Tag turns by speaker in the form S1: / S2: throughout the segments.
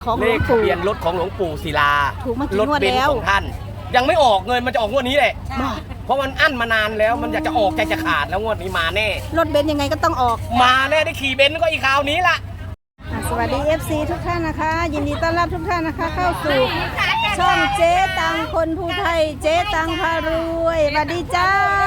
S1: ของหล
S2: เล
S1: วง
S2: ขทะ
S1: ปู่
S2: เบียนรถของหลวงปู่ศิลา
S1: ถูกมากี่
S2: รถ
S1: งวด
S2: เบน
S1: แล้
S2: ซ์
S1: ว
S2: ของท่าน ยังไม่ออกเงินมันจะออกงวดนี้แหละ
S1: บ้า
S2: เพราะมันอั้นมานานแล้วมันอยากจะออกใจจะขาดแล้วงวดนี้มาแน่
S1: รถเบนซ์ยังไงก็ต้องออก
S2: มาแน่ได้ขี่เบนซ์ก็อีกคราวนี้ล่ะ
S1: สวัสดี FC ทุกท่านนะคะ ยินดีต้อนรับทุกท่านนะคะ เข้าสู่ช่องเจ๊ตังคนภูไทยเจ๊ตังพารวยสวัสดีจ้า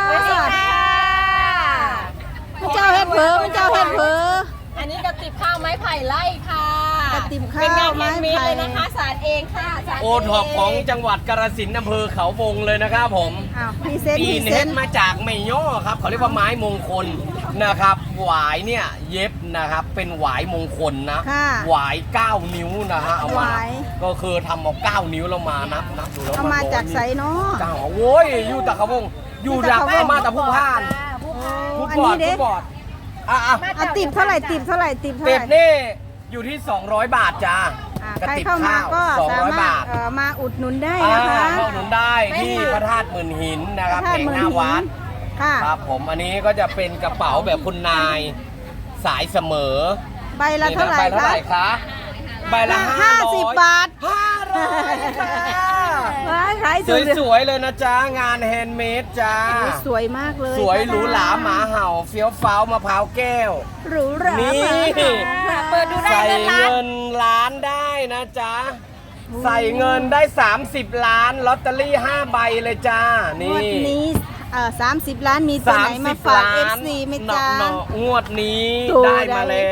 S1: พระเจ้าเฮ็ดเผลอพระเจ้าเฮ็ดเผลอ
S3: อันนี้กระติบข้าวไม้ไผ่ไล่ค่ะ
S1: กระติบข้าว
S3: เป็นงาน
S1: ไม้
S3: แฮนด์เมด
S1: ไผ่
S3: เลยนะคะสารเองค่ะสาร
S2: โอท็อปของจังหวัดกาฬสินธุ์อำเภอเขาวงเลยนะครับผม
S1: อ้าวพรีเซนต์
S2: ปี
S1: พรี
S2: น
S1: เซ
S2: เฮ็
S1: น
S2: ด
S1: ต์
S2: มาจากไม่ย่อครับเขาเรียกว่าไม้มงคลนะครับหวายเนี่ยเย็บนะครับเป็นหวายมงคลนะ
S1: ค่ะ
S2: หวาย9 นิ้วนะฮะเอา
S1: ห
S2: มาว
S1: าย
S2: ก็คือทำเอา9 นิ้วแล้วมานับดูแล้ว
S1: เอามาจากไสเนาะ
S2: เก้าโว้ยอยู่ตะเขาวงอยู่จาก
S1: อยู่ตะเขาวง
S2: มาตะผู้พ่าน
S1: โอ้
S2: ผู้
S1: อัน
S2: บอ
S1: นี้
S2: ด
S1: เด้
S2: ผู้บอดอ่ะ
S1: อ่ะติบเท่าไหร่ติบเท่าไหร่ติบเท่า
S2: เป็
S1: ไห
S2: ด
S1: ร่
S2: นี่อยู่ที่200 บาทจ้า
S1: อ่ะ
S2: กระ
S1: ใคร
S2: ติบ
S1: เข้ามา
S2: ข้าว
S1: ก็สา
S2: 200
S1: มาร
S2: บา
S1: ถ
S2: ท
S1: มาอุดหนุนได้
S2: อ่า
S1: นะคะ
S2: เข้าหนุนได้ที่พระธาตุหมื่นหินนะครับ
S1: พระธา
S2: แผ
S1: ตุ
S2: ง
S1: เมือง
S2: หน้าวัด
S1: ค่ะ
S2: ครับผมอันนี้ก็จะเป็นกระเป๋าแบบคุณนายสายเสมอ
S1: ใบละเท่าไหร่
S2: ใบเท่า
S1: คะ
S2: ไหร่คะใบละ
S1: 50 บาท
S2: 500ค่ะ
S1: ว้ายขาย
S2: ส
S1: สุด
S2: วยๆเลยนะจ๊ะงานแฮนด์เมดจ้า
S1: โอ้ยสวยมากเลย
S2: สวยหรูหราหมาเห่าเฟี้ยวฟ้าวมะพร้าวแก้ว
S1: หรูหรา
S2: นี่
S1: มาก
S3: เปิดดูได้
S2: ใส่
S3: เลยร้าน
S2: เงินล้านได้นะจ๊ะ ใส่เงินได้ 30 ล้านลอตเตอรี่ 5 ใบเลยจ้าง
S1: วด
S2: นี่
S1: นี้30 ล้านมีตัวไหนมาฝาก FC ไหมจ๊ะ
S2: เนาะงวดนี้
S1: ตัว
S2: ได้
S1: ใด
S2: มาแล้ว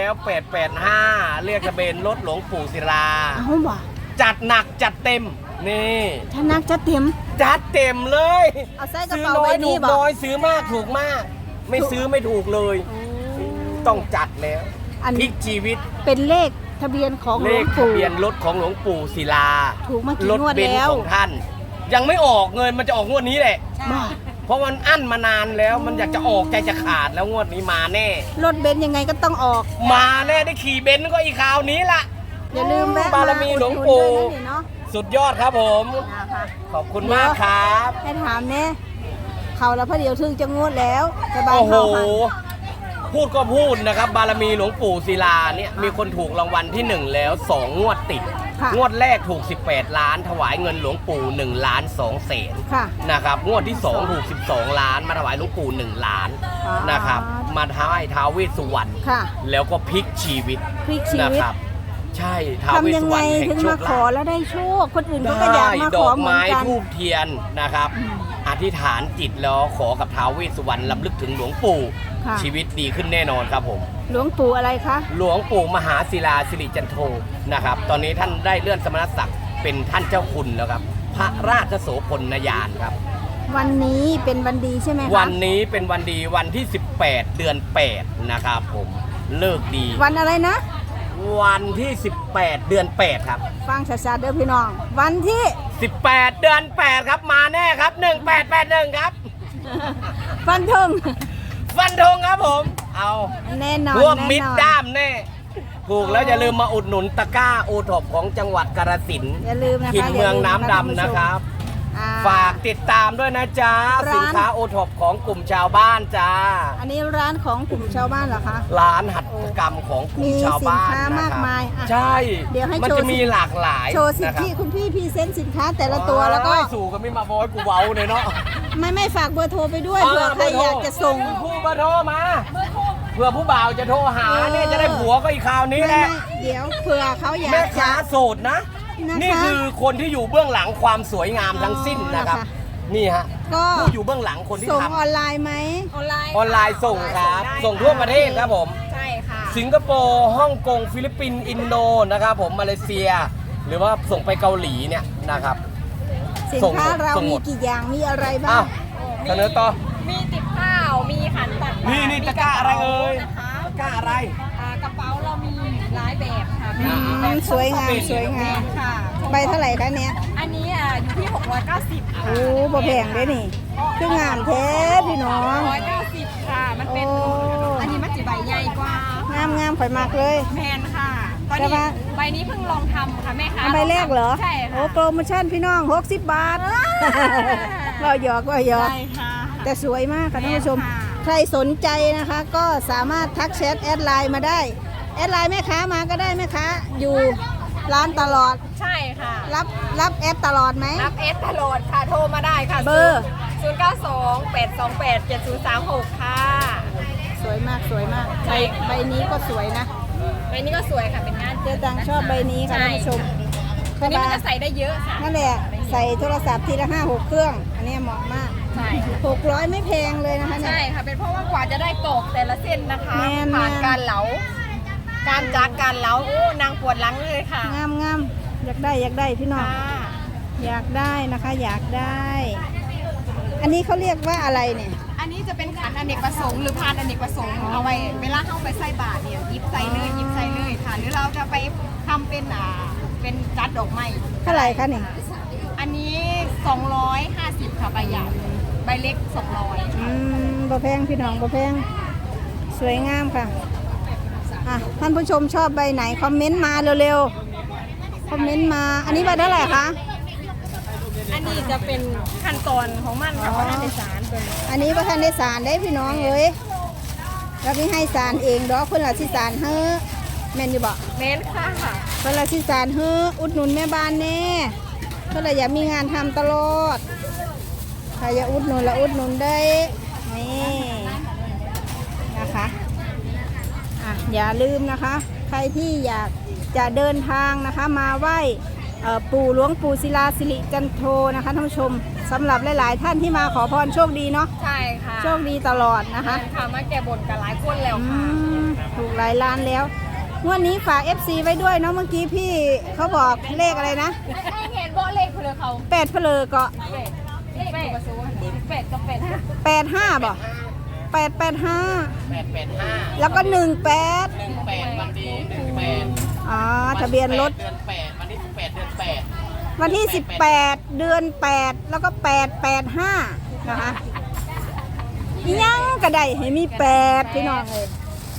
S2: 885 เรียกทะเบียนรถหลวงปู่ศิลา
S1: เอาบ่
S2: จัดหนักจัดเต็ม นี่
S1: ถ้านักจะเต็ม
S2: จัดเต็มเลย
S1: เอาใส่กระ
S2: ซื้อ
S1: เป๋า
S2: น้อ
S1: ไว้
S2: ยถู
S1: นี่
S2: ก
S1: บ่
S2: น้อยซื้อมากถูกมาก ไม่ซื้อไม่ถูกเลย ต้องจัดแล้ว
S1: อัน
S2: พลิกชีวิต
S1: เป็นเลขทะเบียนของห
S2: เล
S1: ลวง
S2: ขทะ
S1: ปู่
S2: เบียนรถของหลวงปู่ศิลา
S1: ถูกมากี่
S2: รถ
S1: งวด
S2: เบน
S1: แล้
S2: ซ์
S1: ว
S2: ของท่าน ยังไม่ออกเงินมันจะออกงวดนี้แหละ
S1: บ่
S2: เพราะมันอั้นมานานแล้วมันอยากจะออกใจจะขาดแล้วงวดนี้มาแน่
S1: รถเบนซ์ยังไงก็ต้องออก
S2: มาแน่ได้ขี่เบนซ์ก็อีกคราวนี้ล่ะ
S1: อย่าลืมแวะ
S2: บารมีหลวงปู่
S1: มาอุดหนุนด้วยนะนี่เนาะ
S2: สุดยอดครับผม
S1: นะคะ
S2: ขอบคุณมากครับ
S1: ให้ถามเนี่ยเขาแล้วพอเดี๋ยวถึงจะงวดแล้วจะบาน
S2: โอ้โห
S1: เขาหัน
S2: พูดก็พูดนะครับ บารมีหลวงปู่ศิลาเนี่ยมีคนถูกรางวัลที่ 1 แล้ว 2 งวดติด
S1: ค่ะ
S2: งวดแรกถูก 18 ล้าน ถวายเงินหลวงปู่1 ล้าน2แสน
S1: ค่ะ
S2: นะครับงวดที่ 2 ถูก 12 ล้าน มาถวายหลวงปู่1 ล้าน
S1: อ๋อ
S2: นะครับมาท้ายท้าวเวสสุวรรณ
S1: ค่ะ
S2: แล้วก็พลิกชีวิต
S1: พลิกชี
S2: นะ
S1: วิต
S2: ครับ ใช่ท้าวเวส
S1: ทำยั
S2: สุ
S1: ง
S2: ว
S1: ไง
S2: รรณแห่ง
S1: ถึง
S2: โช
S1: มา
S2: ค
S1: ขอ
S2: ลาภ
S1: แล้วได้โชค คนอื่นเขาก็อยาก
S2: ได้
S1: มา
S2: ด
S1: ข
S2: อ
S1: อก เหมือน
S2: ไม้
S1: กัน
S2: ทูบเทียนนะครับ อธิษฐานจิตแล้วขอกับท้าวเวสสุวรรณลำลึกถึงหลวงปู่
S1: ค่ะ
S2: ชีวิตดีขึ้นแน่นอนครับผม
S1: หลวงปู่อะไรคะ
S2: หลวงปู่มหาศิลาสิริจันโทนะครับ ตอนนี้ท่านได้เลื่อนสมณศักดิ์เป็นท่านเจ้าคุณแล้วครับ พระราชโสพลยานครับ
S1: วันนี้เป็นวันดีใช่ไหมคะ
S2: วันนี้เป็นวันดีวันที่ 18 เดือน 8 นะครับผมเลิกดี
S1: วันอะไรนะ
S2: วันที่ 18 เดือน 8 ครับ
S1: ฟังชัดๆเด้อพี่น้อง วันที่
S2: 18 เดือน 8 ครับมาแน่ครับ 1881 ครับ
S1: ฟันธง
S2: ฟันธงครับผม เอา
S1: แน่นอน
S2: รวมมิด
S1: แน่นอน
S2: ด้ามแน่ถูกแล้วอย่าลืมมาอุดหนุนตะกร้าโอท็อปของจังหวัดกาฬสินธุ์
S1: อย่าลืมนะคะ
S2: ถิ่นเมืองน้ำ
S1: ท่าผู้
S2: ดำ
S1: ชม
S2: นะครับ
S1: อ่
S2: ฝากติดตามด้วยนะจ๊ะ
S1: ร้าน
S2: สินค้าโอท็อปของกลุ่มชาวบ้านจ้า
S1: อันนี้ร้านของกลุ่มชาวบ้านเหรอคะ
S2: ร้านหัตถกรรมของกลุ่มชาวบ้าน
S1: มีสินค้ามาก
S2: นะครับ
S1: มายอ่ะ
S2: ใช่
S1: เดี๋ยวให้
S2: มัน
S1: โชว์
S2: จะมีหลากหลาย
S1: โชว์สิท
S2: นะครั
S1: ธิ
S2: บ
S1: คุณพี่พรีเซนต์สินค้าแต่ละตัวแล้วก็
S2: โอ้ยสู่กันไม่มาบอยกูเว้าเลยเนาะ
S1: ไม่ฝากเบอร์โทรไปด้วยเผื่อใครอยากจะส่ง
S2: ผู้เบอร์โทรมาเพื่อผู้บ่าวจะโทรหาเนี่ยจะได้ผัวก็อีกคราวนี้แหละ
S1: ไม่เดี๋ยวเผื่อเขาอยา
S2: แม่
S1: กจะ
S2: ค้าโสดนะ
S1: นะคะ
S2: นี่คือคนที่อยู่เบื้องหลังความสวยงามทั้งสิ้นนะครับ
S1: อ๋อ
S2: นี่ฮะ
S1: ก็
S2: ผู้อยู่เบื้องหลังคนที่
S1: ส่ง
S2: ทำ
S1: ออนไลน์ไหม
S3: ออนไลน์
S2: ออนไลน์ส่งครับ ส่งทั่วประเทศครับผม
S3: ใช่ค่ะ
S2: สิงคโปร์ฮ่องกงฟิลิปปินส์อินโดนะครับผมมาเลเซีย หรือว่าส่งไปเกาหลีเนี่ยนะครับ
S1: สิน
S2: ส่ง
S1: ค้าเรา
S2: ส่งหม
S1: มี
S2: ด
S1: กี่อย่างมีอะไรบ้า
S2: อ้าง วเสนอต่อ
S3: มีติบข้าว มีขันตักบาตร
S2: นี่ตะกร้าอะไรเอ่ย
S3: นะคะ
S2: ตะกร้าอะไร
S3: กระเป๋าเรามีหลายแบบค่ะ
S2: อืม
S3: แบบ
S1: สวยงามสวยงาม
S3: ค่ะ
S1: ใบเท่าไหร่คะเนี่ย
S3: อันนี้อยู่ที่ 690 ค่ะ
S1: โอ้บ่แพงเลยนี่คืองามแท้พี่น้อง
S3: 690 ค่ะ มันเป็น
S1: โอ้
S3: อันนี้มันจะใบใหญ่กว่า
S1: งามข่อยมากเลย
S3: แมนค่ะ ตอน
S1: แต่
S3: นี้
S1: ว่า
S3: ใบนี้เพิ่งลองทำค่ะแม่ค้า
S1: อันใบแรกเหรอ
S3: ใช่
S1: โอ้
S3: ค่ะ
S1: โปรโมชั่นพี่น้อง60 บาทเราหยอกว่าหยอก
S3: ใช่ค่ะ
S1: แต่สวยมากค่ะท่านผู้ชม
S3: ค่ะ
S1: ใครสนใจนะคะ ก็สามารถทักแชทแอดไลน์มาได้ แอดไลน์แม่ค้ามาก็ได้แม่ค้าอยู่ร้านตลอด
S3: ใช่ค่ะ
S1: รับแอดตลอดไหม
S3: รับเอสตลอดค่ะ โทรมาได้ค่ะ
S1: เบอร์
S3: 092-828-7036 ค่ะ
S1: สวยมากสวยมากใบนี้ก็สวยนะ
S3: ใบนี้ก็สวยค่ะ เป็นงาน
S1: เจ๊ตังชอบใบนี้ค่ะท่านผู้ชม
S3: ตัวนี้มันจะใส่ได้เยอะค่ะ
S1: นั่นแหละใส่โทรศัพท์ทีละ5-6 เครื่อง อันนี้เหมาะมาก
S3: ใช่
S1: 600ไม่แพงเลยนะคะเนี่ย
S3: ใช่ค่ะ เป็นเพราะว่ากว่าจะได้ตอกแต่ละเส้นนะคะ
S1: แม่น
S3: ผ่านการเหลา การจักการเหลาโอ้นางปวดหลังเลยค่ะ
S1: งามงามอยากได้พี่น้อง
S3: ค่ะ
S1: อยากได้นะคะ อยากได้ อันนี้เขาเรียกว่าอะไรเนี่ย
S3: อันนี้จะเป็นขันอเนกประสงค์หรือพานอเนกประสงค์เอาไว้เวลาเข้าไปใส่บาตรเนี่ยหยิบใส่เลยหยิบใส่เลยค่ะ หรือเราจะไปทำเป็นจัดดอกไม้
S1: เท่าไหร่คะเนี่ย
S3: อันนี้250ค่ะใบใหญ่ใบเล็ก200
S1: บ่แพงพี่น้องบ่แพงสวยงามค่ะอ่ะท่านผู้ชมชอบใบไหนคอมเมนต์มาเร็วๆคอมเมนต์มาอันนี้ใบเท่าไหร่คะ
S3: อันนี้จะเป็นขั้นตอนของมันค่ะเพราะนั่นเป็นสารตัวนี้
S1: อันนี้ประธานได้สารได้พี่น้องเลยเราไม่ให้สารเองดอกคนละสิสารเฮ้อแม่นอยู่บ่
S3: เม้นค่ะ
S1: คนละสิสารเฮ้ออุดหนุนแม่บ้านแน่เพื่ออยากมีงานทำตลอดใครอยากอุดหนุนละอุดหนุนได้นี่นะคะอ่ะอย่าลืมนะคะ ใครที่อยากจะเดินทางนะคะมาไหว้ปู่หลวงปู่ศิลาสิริจันโทนะคะท่านผู้ชมสำหรับหลายๆท่านที่มาขอพรโชคดีเนาะ
S3: ใช่ค่ะ
S1: โชคดีตลอดนะคะ
S3: ค่ะมาแก้บนกับหลายคนแล้ว
S1: อื
S3: ค่ะ
S1: มถูกหลายล้านแล้วงวดนี้ฝาก FC ไว้ด้วยเนาะเมื่อกี้พี่เขาบอกเลขอะไรนะ
S3: ให้เห็นโบเลขเพื่อเขา
S1: 8เพลอเกาะ
S3: เป็ดกับซูเป็ดกับเป็ด
S1: 85บ่885
S2: 885
S1: แล้วก็18
S2: 18วันดี18
S1: อ๋อทะเบียนรถ
S2: เดือน8วันที่18เดือน8
S1: วันที่18เดือน8แล้วก็885นะคะอีหยังก็ได้ให้มี8พี่น้องเลย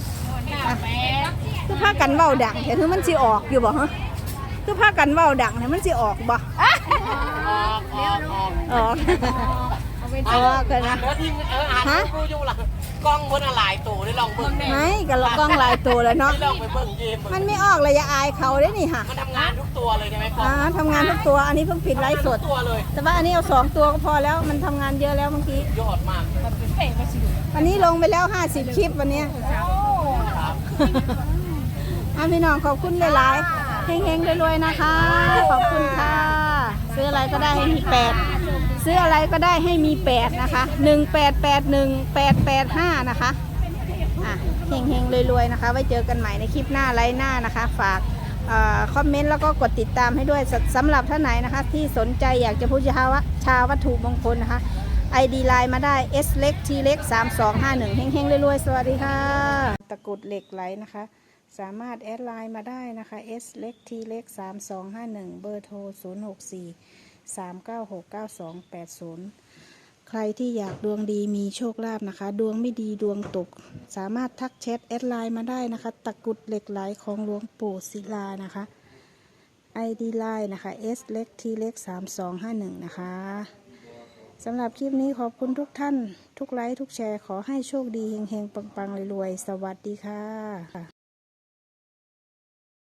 S1: คือพากันเว้าดังแต่ถึงมันสิออกอยู่บ่ฮะคือพากันเว้าดังแต่มันสิออกบ่
S2: ออก
S1: ออกอ๋อเกินนะ
S2: เดี๋ยวทีมอ่านกูอยู่หลังกล้องบนอะไรตัวได้ลองเบิ่ง
S1: ไม่กับกล้องหลายตัวแล้วเนาะ
S2: ที่ลองไปเบิ่งเกม
S1: มันไม่ออกเลยอย่าอายเขาได้นี่ค่ะ
S2: มันทำงานทุกตัวเลยใช่ไหมกล้อง
S1: ทำงานทุกตัวอันนี้เพิ่งปิดไลฟ์สด
S2: ทุกตัวเลย
S1: แต่ว่าอันนี้เอา2 ตัวก็พอแล้วมันทำงานเยอะแล้วเมื่อกี้
S2: ยอดมาก
S3: เป็ดกับซู
S1: วันนี้ลงไปแล้ว50 คลิปวันนี้
S2: ครับ
S1: พี่น้องขอบคุณหลายๆเฮงๆรวยๆนะคะ ขอบคุณค่ะ ซื้ออะไรก็ได้ให้มี8ซื้ออะไรก็ได้ให้มี8นะคะ1881885นะคะเฮงๆรวยๆนะคะไว้เจอกันใหม่ในคลิปหน้าไลฟ์หน้านะคะฝากคอมเมนต์แล้วก็กดติดตามให้ด้วยสำหรับท่านไหนนะคะที่สนใจอยากจะพูดชาวัตถุมงคลนะคะ ID ไลน์มาได้ S เล็ก T เล็ก3251เฮงๆรวยๆสวัสดีค่ะตะกรุดเหล็กไหลนะคะสามารถแอดไลน์มาได้นะคะ S เล็ก T เล็ก3251เบอร์โทร064 3969280 ใครที่อยากดวงดีมีโชคลาภนะคะดวงไม่ดีดวงตกสามารถทักแชทแอดไลน์มาได้นะคะตะกรุดเหล็กไหลของหลวงปู่ศิลานะคะ ID ไลน์นะคะ S เล็ก T เล็ก3251นะคะสำหรับคลิปนี้ขอบคุณทุกท่านทุกไลค์ทุกแชร์ขอให้โชคดีเฮงๆปังๆรวยๆสวัสดีค่ะ